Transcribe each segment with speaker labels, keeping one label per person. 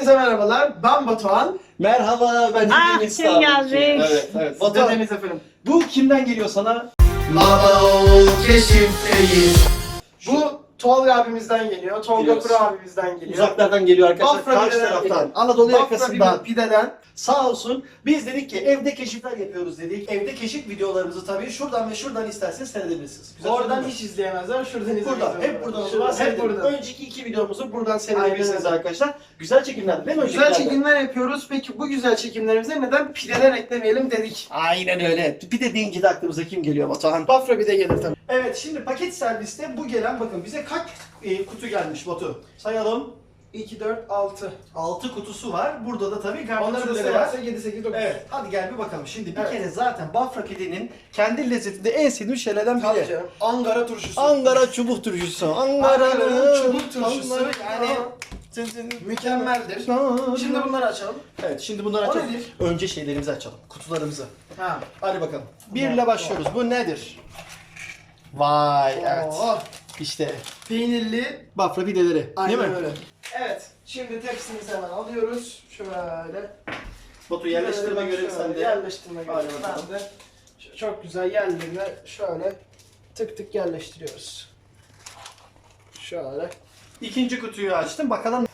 Speaker 1: Hepinize merhabalar. Ben Batuhan.
Speaker 2: Merhaba, ben Deniz
Speaker 3: kim geldi?
Speaker 2: Evet. Batuhan,
Speaker 1: Deniz efendim.
Speaker 2: bu kimden geliyor sana?
Speaker 1: Lava keşifteyiz. Bu Tolga abimizden geliyor. Tolga
Speaker 2: Biliyoruz.
Speaker 1: Kuru abimizden geliyor.
Speaker 2: Uzaklardan geliyor arkadaşlar.
Speaker 1: Bafra
Speaker 2: Karşı
Speaker 1: pideden
Speaker 2: taraftan.
Speaker 1: geliyor.
Speaker 2: Anadolu
Speaker 1: Bafra
Speaker 2: yakasından.
Speaker 1: pideden.
Speaker 2: Sağ olsun. Biz dedik ki evde keşifler yapıyoruz dedik. Evde keşif videolarımızı tabii şuradan ve şuradan isterseniz seyredebilirsiniz. Güzel
Speaker 1: Oradan
Speaker 2: söyledin mi?
Speaker 1: hiç izleyemezler. Şuradan izleyemezler.
Speaker 2: Buradan. Hep buradan.
Speaker 1: Şuradan, hep buradan.
Speaker 2: Önceki iki videomuzu buradan seyredebilirsiniz
Speaker 1: Aynen.
Speaker 2: arkadaşlar. Güzel çekimler değil mi?
Speaker 1: Güzel
Speaker 2: öncekilerden?
Speaker 1: çekimler yapıyoruz. Peki bu güzel çekimlerimize neden pideler eklemeyelim dedik.
Speaker 2: Aynen öyle. Pide deyince de aklımıza kim geliyor Batuhan?
Speaker 1: Bafra pide gelir tabii.
Speaker 2: Evet, şimdi paket serviste bu gelen, bakın bize kaç kutu gelmiş Batu? Sayalım.
Speaker 1: 2, 4, 6.
Speaker 2: 6 kutusu var. Burada da tabii
Speaker 1: Onları da
Speaker 2: garnitürleri var.
Speaker 1: sayarsak 7, 8, 9.
Speaker 2: Evet, hadi gel bir bakalım. Şimdi bir
Speaker 1: Evet.
Speaker 2: kere zaten Bafra pidenin kendi lezzetinde en sevdiğim şeylerden
Speaker 1: Tabii
Speaker 2: biri.
Speaker 1: canım. Ankara turşusu.
Speaker 2: Ankara çubuk turşusu.
Speaker 1: Ankara'nın çubuk turşusu. Yani
Speaker 2: Yani
Speaker 1: mükemmeldir. Şimdi bunları açalım.
Speaker 2: Evet, şimdi bunları
Speaker 1: O
Speaker 2: açalım.
Speaker 1: nedir?
Speaker 2: Önce şeylerimizi açalım. Kutularımızı.
Speaker 1: Ha.
Speaker 2: Hadi bakalım.
Speaker 1: Tamam.
Speaker 2: 1 ile başlıyoruz. Bu nedir? Vay, evet.
Speaker 1: Oo,
Speaker 2: İşte
Speaker 1: peynirli.
Speaker 2: Bafra pideleri.
Speaker 1: Aynen
Speaker 2: değil mi?
Speaker 1: öyle. Evet. Şimdi tepsimizi hemen alıyoruz. Şöyle.
Speaker 2: Batu yerleştirme
Speaker 1: Şöyle
Speaker 2: görevi sende.
Speaker 1: Yerleştirme
Speaker 2: Hadi
Speaker 1: görevi
Speaker 2: bakalım.
Speaker 1: bende. Çok güzel yerlerine şöyle tık tık yerleştiriyoruz. Şöyle.
Speaker 2: İkinci kutuyu açtım. Bakalım.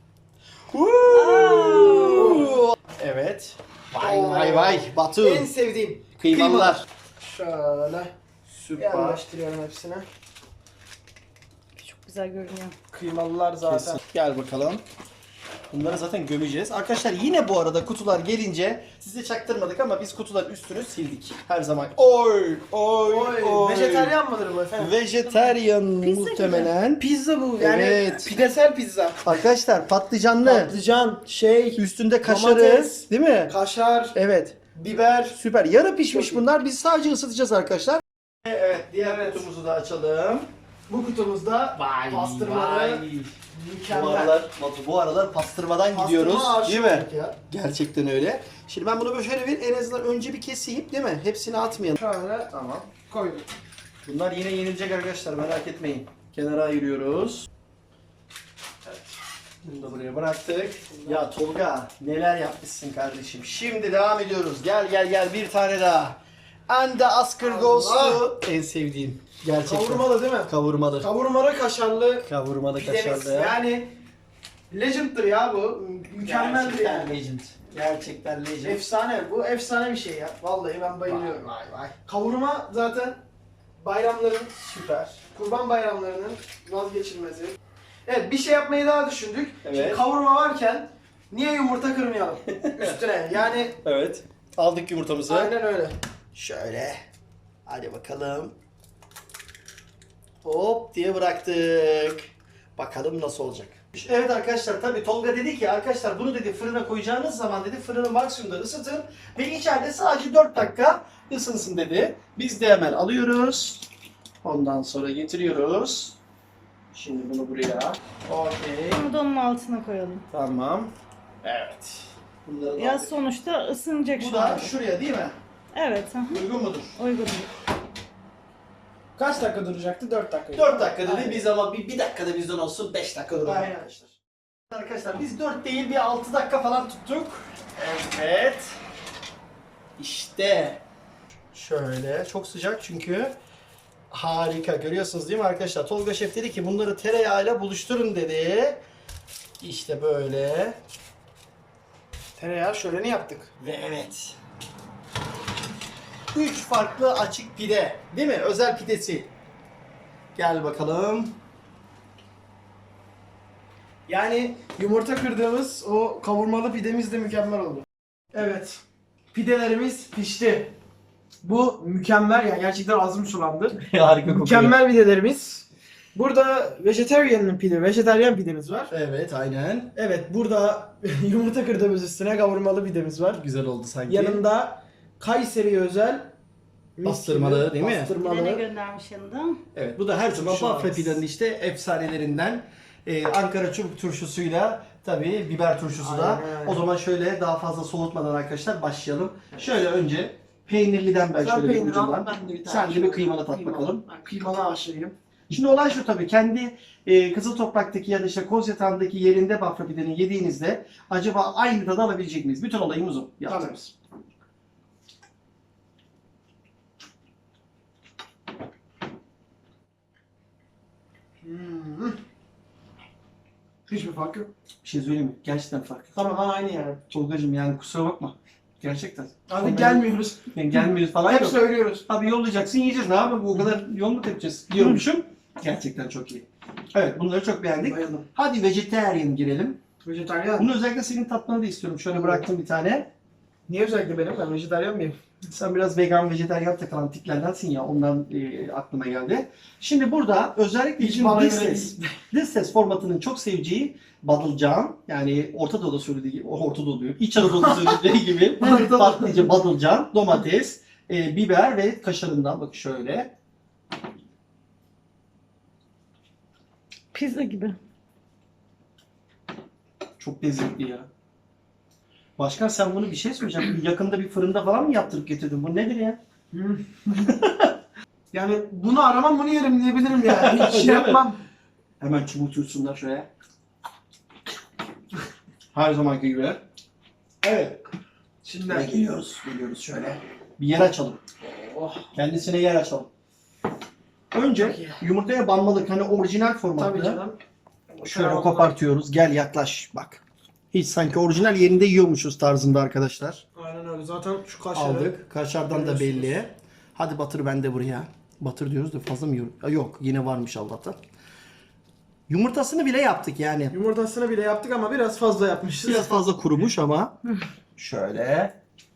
Speaker 2: Evet. Vay. Batu.
Speaker 1: En sevdiğim
Speaker 2: Kıymalılar.
Speaker 1: şöyle
Speaker 2: Süper.
Speaker 1: yerleştiriyorum hepsine.
Speaker 3: Çok güzel görünüyor.
Speaker 1: Kıymalılar zaten.
Speaker 2: Kesin. Gel bakalım. Bunları zaten gömeceğiz. Arkadaşlar yine bu arada kutular gelince size çaktırmadık ama biz kutuların üstünü sildik. Her zaman. Oy.
Speaker 1: Vejetaryen mıdır bu efendim?
Speaker 2: Vejetaryen
Speaker 3: Pizza
Speaker 2: muhtemelen.
Speaker 1: Pizza bu yani
Speaker 2: Evet.
Speaker 1: pidesel pizza.
Speaker 2: Arkadaşlar patlıcanlı.
Speaker 1: Patlıcan,
Speaker 2: Üstünde kaşarı.
Speaker 1: Domates.
Speaker 2: Değil mi?
Speaker 1: kaşar,
Speaker 2: Evet.
Speaker 1: biber.
Speaker 2: Süper. Yarı pişmiş
Speaker 1: Çok iyi.
Speaker 2: bunlar. Biz sadece ısıtacağız arkadaşlar. Evet. Diğer kutumuzu da açalım.
Speaker 1: Bu kutumuzda pastırmalı
Speaker 2: Bu
Speaker 1: mükemmel.
Speaker 2: bu aralar pastırmadan
Speaker 1: Pastırma
Speaker 2: gidiyoruz.
Speaker 1: aşığı
Speaker 2: Değil mi?
Speaker 1: olduk ya.
Speaker 2: Gerçekten öyle. Şimdi ben bunu böyle şöyle bir en azından önce bir keseyim değil mi? Hepsini atmayalım.
Speaker 1: Şöyle
Speaker 2: Tamam.
Speaker 1: koyduk.
Speaker 2: Bunlar yine yenilecek arkadaşlar, merak etmeyin. Kenara ayırıyoruz. Evet. Bunu da buraya bıraktık. Ya Tolga neler yapmışsın kardeşim. Şimdi devam ediyoruz. Gel bir tane daha. And the Oscar goes to en sevdiğim. Gerçekten.
Speaker 1: Kavurmalı değil mi?
Speaker 2: Kavurmalı.
Speaker 1: Kavurmalı kaşarlı
Speaker 2: Kavurmalı
Speaker 1: pidemiz.
Speaker 2: kaşarlı.
Speaker 1: Yani legend'dır ya bu. Mükemmeldir
Speaker 2: Gerçekten
Speaker 1: yani.
Speaker 2: legend. Gerçekten legend.
Speaker 1: Efsane. Bu efsane bir şey ya. Vallahi ben bayılıyorum.
Speaker 2: Vay.
Speaker 1: Kavurma zaten bayramların süper. Kurban bayramlarının vazgeçilmezi. Evet, bir şey yapmayı daha düşündük.
Speaker 2: Evet.
Speaker 1: Şimdi kavurma varken niye yumurta kırmayalım üstüne? Yani
Speaker 2: Evet. Aldık yumurtamızı.
Speaker 1: aynen öyle.
Speaker 2: Şöyle. Hadi bakalım. Hop diye bıraktık. Bakalım nasıl olacak. Evet arkadaşlar, tabii Tolga dedi ki arkadaşlar bunu dedi fırına koyacağınız zaman dedi fırını maksimumda ısıtın ve içeride sadece 4 dakika ısınsın dedi. Biz de hemen alıyoruz. Ondan sonra getiriyoruz. Şimdi bunu buraya. Okey.
Speaker 3: Bunu da onun altına koyalım.
Speaker 2: Tamam. Evet. Bunları da
Speaker 3: Ya
Speaker 2: aldık.
Speaker 3: sonuçta ısınacak
Speaker 2: Bu
Speaker 3: şu
Speaker 2: da
Speaker 3: an.
Speaker 2: şuraya değil mi?
Speaker 3: Evet. Aha.
Speaker 2: Uygun mudur?
Speaker 3: Uygun.
Speaker 1: Kaç dakika duracaktı? 4 dakika.
Speaker 2: 4 dakika dedi
Speaker 1: Aynen.
Speaker 2: biz ama bir dakikada bizden olsun 5 dakika duralım
Speaker 1: Aynen.
Speaker 2: arkadaşlar. Arkadaşlar biz 4 değil bir 6 dakika falan tuttuk. Evet. İşte. Şöyle çok sıcak çünkü. Harika, görüyorsunuz değil mi arkadaşlar? Tolga Şef dedi ki bunları tereyağıyla buluşturun dedi. İşte böyle.
Speaker 1: Tereyağı şöleni yaptık.
Speaker 2: Ve evet. 3 farklı açık pide. Değil mi? Özel pidesi. Gel bakalım.
Speaker 1: Yani yumurta kırdığımız o kavurmalı pidemiz de mükemmel oldu. Evet. Pidelerimiz pişti. Bu mükemmel yani gerçekten ağzım sulandı.
Speaker 2: Harika
Speaker 1: Mükemmel pidelerimiz. Burada vejetaryen pidemiz var.
Speaker 2: Evet, aynen.
Speaker 1: Evet, burada yumurta kırdığımız üstüne kavurmalı pidemiz var.
Speaker 2: Güzel oldu sanki.
Speaker 1: Yanında Kayseri'ye özel mis
Speaker 2: Bastırmalı,
Speaker 1: gibi
Speaker 2: değil mi?
Speaker 3: Bir de ne
Speaker 1: Bastırmalı.
Speaker 3: göndermiş yanında?
Speaker 2: Evet, bu da her zaman
Speaker 1: Şu an.
Speaker 2: Bafra pidenin işte efsanelerinden. Ankara çubuk turşusuyla tabii biber turşusu da.
Speaker 1: Aynen.
Speaker 2: O zaman şöyle daha fazla soğutmadan arkadaşlar başlayalım. Şöyle önce peynirliden ben
Speaker 1: Sen
Speaker 2: şöyle bir
Speaker 1: peynir al,
Speaker 2: ucundan.
Speaker 1: ben de bir tane
Speaker 2: Sen de bir
Speaker 1: şöyle
Speaker 2: kıymalı tat
Speaker 1: kıymalı.
Speaker 2: bakalım.
Speaker 1: Ben kıymalı aşırıyım.
Speaker 2: Şimdi olay şu tabii, kendi Kızıl Toprak'taki ya da işte Kozyatağı'ndaki yerinde Bafra pidenin yediğinizde acaba aynı tadı alabilecek miyiz? Bütün olayımız o. Yaptığımız.
Speaker 1: Hiçbir fark yok.
Speaker 2: Bir şey söyleyeyim mi? Gerçekten fark.
Speaker 1: Tamam aynı yani.
Speaker 2: Tolgacığım yani kusura bakma. Gerçekten.
Speaker 1: Hadi gelmiyoruz.
Speaker 2: Yani gelmiyoruz falan
Speaker 1: Hep
Speaker 2: yok.
Speaker 1: söylüyoruz.
Speaker 2: Abi yollayacaksın, yiyeceğiz. Ne yapalım? Bu kadar yol mu tepeceğiz? Diyormuşum. Gerçekten çok iyi. Evet, bunları çok beğendik.
Speaker 1: Bayıldım.
Speaker 2: Hadi vegetarian girelim.
Speaker 1: Vejetaryen.
Speaker 2: Bunu özellikle senin tatmanı da istiyorum. Şöyle bıraktım bir tane.
Speaker 1: Niye özellikle benim? Ben vejetaryen miyim?
Speaker 2: Sen biraz vegan, vejetaryen takılan tiplerdensin ya. Ondan aklıma geldi. Şimdi burada özellikle
Speaker 1: Hiç
Speaker 2: bizim
Speaker 1: bana
Speaker 2: this
Speaker 1: göre
Speaker 2: test, this test formatının çok seveceği badılcan, yani Orta Doğu'da söylediği gibi, Orta Doğu diyor, İç Anadolu'da söylediği gibi patlıcan, badılcan, domates, biber ve kaşarından bak şöyle.
Speaker 3: Pizza gibi.
Speaker 2: Çok lezzetli ya. Başkan sen bunu bir şey söyleyeceğim. Yakında bir fırında falan mı yaptırıp getirdin? Bu nedir ya?
Speaker 1: Yani bunu aramam bunu yerim diyebilirim yani. Hiç
Speaker 2: Değil
Speaker 1: şey
Speaker 2: mi?
Speaker 1: yapmam.
Speaker 2: Hemen çubuktursunlar şuraya. Her zamanki gibi. Evet.
Speaker 1: Şimdi
Speaker 2: Ve geliyoruz şöyle. Bir yer açalım.
Speaker 1: oh,
Speaker 2: Kendisine yer açalım. Önce
Speaker 1: Çok iyi.
Speaker 2: yumurtaya banmalık, hani orijinal formatta.
Speaker 1: tabii canım.
Speaker 2: Şöyle kopartıyoruz. Gel yaklaş bak. Hiç sanki orijinal yerinde yiyormuşuz tarzında arkadaşlar.
Speaker 1: Aynen öyle. Zaten şu kaşarı
Speaker 2: Aldık. Kaşardan da belli.
Speaker 1: Görüyorsunuz.
Speaker 2: Hadi batır ben de buraya. Batır diyoruz da fazla mı yiyorum? Yok yine varmış Allah'tan. Yumurtasını bile yaptık yani.
Speaker 1: Yumurtasını bile yaptık ama biraz fazla yapmışız.
Speaker 2: Biraz fazla kurumuş ama. Şöyle.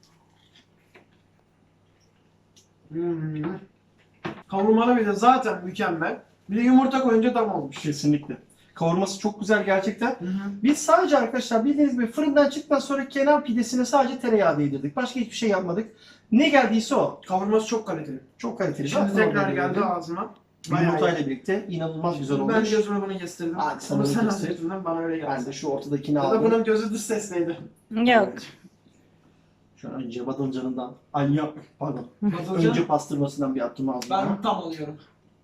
Speaker 1: Hmm. Kavurmalı bir de zaten mükemmel. Bir de yumurta koyunca tam olmuş.
Speaker 2: Kesinlikle. Kavurması çok güzel gerçekten.
Speaker 1: Hı hı.
Speaker 2: Biz sadece arkadaşlar bildiğiniz gibi fırından çıktıktan sonra kenar pidesine sadece tereyağı değdirdik. Başka hiçbir şey yapmadık. Ne geldiyse o.
Speaker 1: Kavurması çok kaliteli.
Speaker 2: Çok kaliteli.
Speaker 1: Şimdi
Speaker 2: Zaten
Speaker 1: tekrar
Speaker 2: orada
Speaker 1: geldi
Speaker 2: gördüm.
Speaker 1: ağzıma. Bayağı
Speaker 2: Yumurtayla
Speaker 1: iyi.
Speaker 2: birlikte inanılmaz güzel olmuş.
Speaker 1: Ben gözüme bunu kestirdim.
Speaker 2: Hadi sana
Speaker 1: Bunu
Speaker 2: bunu
Speaker 1: sen
Speaker 2: kestir.
Speaker 1: anlattın bana öyle
Speaker 2: Ben
Speaker 1: geldi.
Speaker 2: de şu ortadakini
Speaker 1: Ya da
Speaker 2: aldım.
Speaker 1: bunun gözü dış sesleydi.
Speaker 3: Yok.
Speaker 2: Evet. Şu an önce badılcanından. Ay yok pardon. Önce pastırmasından bir attım ağzıma.
Speaker 1: Ben tam alıyorum.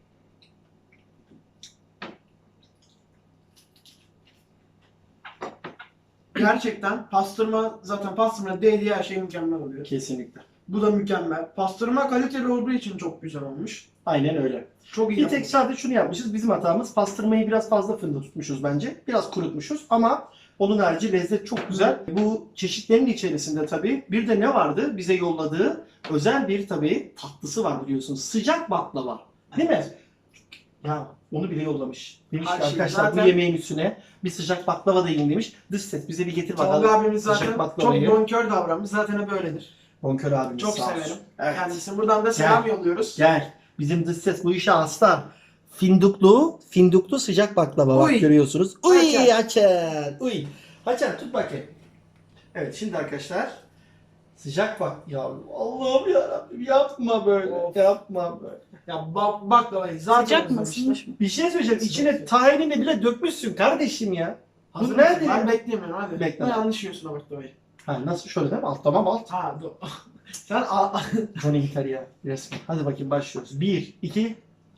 Speaker 1: Gerçekten pastırma zaten pastırma değdiği her şey mükemmel oluyor.
Speaker 2: Kesinlikle.
Speaker 1: Bu da mükemmel. Pastırma kaliteli olduğu için çok güzel olmuş.
Speaker 2: Aynen öyle.
Speaker 1: Çok iyi
Speaker 2: Bir tek
Speaker 1: yapılmış.
Speaker 2: sadece şunu yapmışız. Bizim hatamız pastırmayı biraz fazla fırında tutmuşuz bence. Biraz kurutmuşuz ama onun harici lezzet çok güzel. Bu çeşitlerin içerisinde tabii bir de ne vardı? Bize yolladığı özel bir tabii tatlısı var biliyorsunuz. Sıcak baklava. Değil mi? Ya onu bile yollamış. Demiş ki
Speaker 1: Her şey
Speaker 2: arkadaşlar
Speaker 1: zaten-
Speaker 2: bu yemeğin üstüne bir sıcak baklava da yiyin demiş. Dış ses bize bir getir bakalım.
Speaker 1: Tolga abimiz
Speaker 2: Sıcak
Speaker 1: zaten çok
Speaker 2: baklavayı.
Speaker 1: bonkör davranmış. Zaten hep öyledir.
Speaker 2: Bonkör abimiz
Speaker 1: Çok
Speaker 2: sağ olsun.
Speaker 1: severim.
Speaker 2: Evet.
Speaker 1: Kendisine buradan da selam yolluyoruz.
Speaker 2: Gel. Bizim dış ses bu işe hasta. Finduklu sıcak baklava bak
Speaker 1: Uy.
Speaker 2: görüyorsunuz. Uy
Speaker 1: Haçan.
Speaker 2: Haçan. Uy. Haçan tut bakayım. Evet şimdi arkadaşlar sıcak bak ya Allah'ım yarabbim yapma böyle.
Speaker 1: Of.
Speaker 2: Yapma böyle.
Speaker 1: Ya baklavayı zaten
Speaker 3: Sıcak mı?
Speaker 1: özlemiştim.
Speaker 3: Isınmış mı?
Speaker 2: Bir şey söyleyeceğim.
Speaker 1: Sıcak.
Speaker 2: İçine tahinini bile dökmüşsün kardeşim ya.
Speaker 1: Hazır
Speaker 2: Bu
Speaker 1: mısın?
Speaker 2: nerede
Speaker 1: Ben
Speaker 2: ya?
Speaker 1: beklemiyorum hadi.
Speaker 2: Bekle.
Speaker 1: Ben yanlış yiyorsun o baklavayı.
Speaker 2: Ha, nasıl şöyle değil mi? Alt tamam alt.
Speaker 1: Ha dur. Sen al.
Speaker 2: Johnny gitar ya resmen. Hadi bakayım başlıyoruz. 1, 2.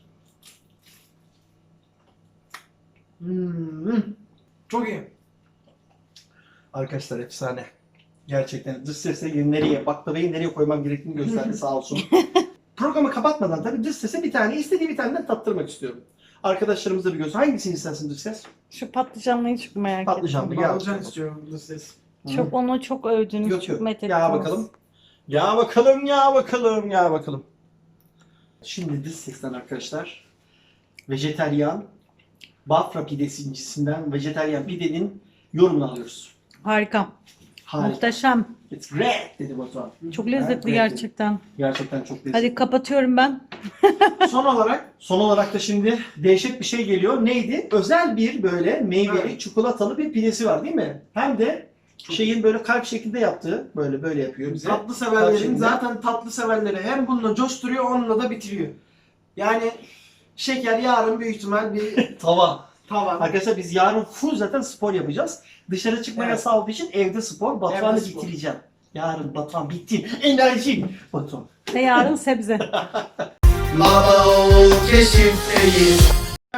Speaker 1: Çok iyi.
Speaker 2: Arkadaşlar efsane. Gerçekten dış sese nereye, baklavayı nereye koymam gerektiğini gösterdi sağ olsun. Programı kapatmadan tabii dış sese bir tane, istediği bir taneden tattırmak istiyorum. Arkadaşlarımız da bir göz. Hangisini istersin dış ses?
Speaker 3: Şu patlıcanlıyı çok merak
Speaker 2: Patlıcanlı.
Speaker 3: ettim.
Speaker 2: Gel.
Speaker 1: Bağlıcan istiyorum bu ses.
Speaker 3: Çok onu çok övdünüz,
Speaker 2: Yok
Speaker 3: çok
Speaker 2: yok.
Speaker 3: methettiniz.
Speaker 2: Ya bakalım. Ya bakalım, ya bakalım, ya bakalım. Şimdi dış sesten arkadaşlar. Vejeteryan Bafra pidesincisinden vejeteryan pidenin yorumunu alıyoruz.
Speaker 3: Harika.
Speaker 2: Harika.
Speaker 3: Muhteşem.
Speaker 2: It's great dedi Batuhan.
Speaker 3: Çok lezzetli
Speaker 2: Evet,
Speaker 3: gerçekten.
Speaker 2: Gerçekten çok lezzetli.
Speaker 3: Hadi kapatıyorum ben.
Speaker 1: Son olarak
Speaker 2: Son olarak da şimdi dehşet bir şey geliyor. Neydi? Özel bir böyle meyveli,
Speaker 1: Evet.
Speaker 2: çikolatalı bir pidesi var değil mi? Hem de şeyin böyle kalp şeklinde yaptığı, böyle yapıyor bize.
Speaker 1: tatlı
Speaker 2: Kalp
Speaker 1: severlerin
Speaker 2: şeklinde.
Speaker 1: zaten tatlı severleri hem bununla coşturuyor onunla da bitiriyor. Yani şeker yarın büyük ihtimal bir
Speaker 2: Tava.
Speaker 1: tavan.
Speaker 2: Arkadaşlar biz yarın full zaten spor yapacağız. Dışarı çıkma
Speaker 1: Evet.
Speaker 2: yasağı olduğu için evde spor. Batuhan'ı
Speaker 1: Evde spor.
Speaker 2: bitireceğim. Yarın Batuhan bitti. Enerjim. Batuhan.
Speaker 3: Ve yarın sebze.
Speaker 2: Baba ol keşifteyiz.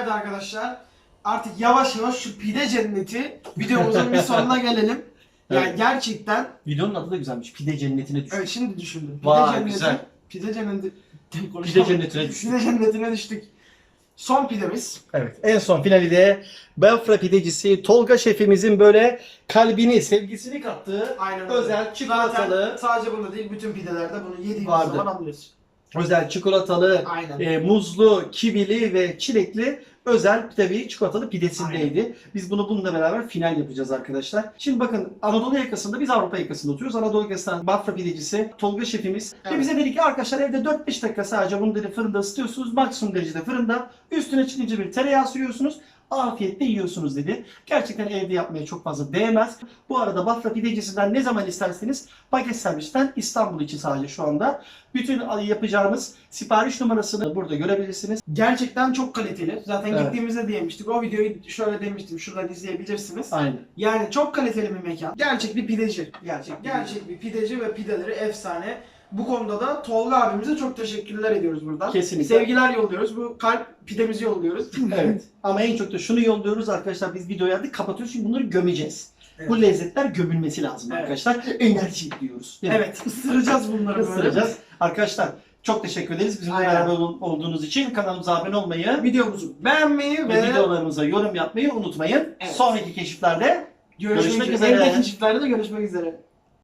Speaker 1: Evet arkadaşlar, artık yavaş yavaş şu pide cenneti videomuzun bir sonuna gelelim. Yani
Speaker 2: Evet.
Speaker 1: gerçekten,
Speaker 2: Videonun adı da güzelmiş. Pide cennetine düştük.
Speaker 1: evet şimdi düşündüm. Pide
Speaker 2: Vay,
Speaker 1: cenneti,
Speaker 2: güzel.
Speaker 1: Pide cenneti,
Speaker 2: Pide cennetine düştük.
Speaker 1: Pide cennetine düştük. Son pidemiz.
Speaker 2: Evet. En son finali de Bafra pidecisi Tolga şefimizin böyle kalbini, sevgisini kattığı
Speaker 1: Aynen öyle.
Speaker 2: özel çikolatalı,
Speaker 1: Zaten sadece bunda değil, bütün pidelerde bunu yediğimiz
Speaker 2: Vardı.
Speaker 1: zaman anlıyoruz.
Speaker 2: özel çikolatalı,
Speaker 1: Aynen.
Speaker 2: muzlu, kivili ve çilekli özel tabii çikolatalı pidesindeydi. Biz bunu bununla beraber final yapacağız arkadaşlar. Şimdi bakın, Anadolu yakasında, biz Avrupa yakasında oturuyoruz. Anadolu yakasından Bafra pidecisi Tolga şefimiz. Ve
Speaker 1: Evet.
Speaker 2: bize dedi ki arkadaşlar evde 4-5 dakika sadece bunu dedi fırında ısıtıyorsunuz. Maksimum derecede fırında. Üstüne çıkınca bir tereyağı sürüyorsunuz. Afiyetle yiyorsunuz dedi. Gerçekten evde yapmaya çok fazla değmez. Bu arada Bafra pidecisinden ne zaman isterseniz paket servisten İstanbul için sadece şu anda. Bütün yapacağımız sipariş numarasını burada görebilirsiniz.
Speaker 1: Gerçekten çok kaliteli. Zaten
Speaker 2: Evet.
Speaker 1: gittiğimizde diyemiştik. O videoyu şöyle demiştim. Şuradan izleyebilirsiniz.
Speaker 2: Aynen.
Speaker 1: Yani çok kaliteli bir mekan. Gerçek bir pideci. Gerçek bir pideci ve pideleri efsane. Bu konuda da Tolga abimize çok teşekkürler ediyoruz buradan.
Speaker 2: Kesinlikle.
Speaker 1: Sevgiler yolluyoruz. Bu kalp pidemizi yolluyoruz.
Speaker 2: Evet. Ama en çok da şunu yolluyoruz arkadaşlar, biz videoyu artık kapatıyoruz çünkü bunları gömeceğiz.
Speaker 1: Evet.
Speaker 2: Bu lezzetler gömülmesi lazım
Speaker 1: Evet.
Speaker 2: arkadaşlar. Enerji diyoruz. Değil mi?
Speaker 1: Evet, ısıracağız bunları böyle.
Speaker 2: Isıracağız. Arkadaşlar çok teşekkür ederiz bizimle
Speaker 1: Aynen.
Speaker 2: beraber olduğunuz için. Kanalımıza abone olmayı
Speaker 1: Videomuzu beğenmeyi
Speaker 2: ve
Speaker 1: ve
Speaker 2: videolarımıza yorum yapmayı unutmayın.
Speaker 1: Evet.
Speaker 2: Sonraki keşiflerde
Speaker 1: görüşmek
Speaker 2: Görüşmek
Speaker 1: üzere.
Speaker 2: üzere.
Speaker 1: Evdeki çiftlerde de görüşmek üzere.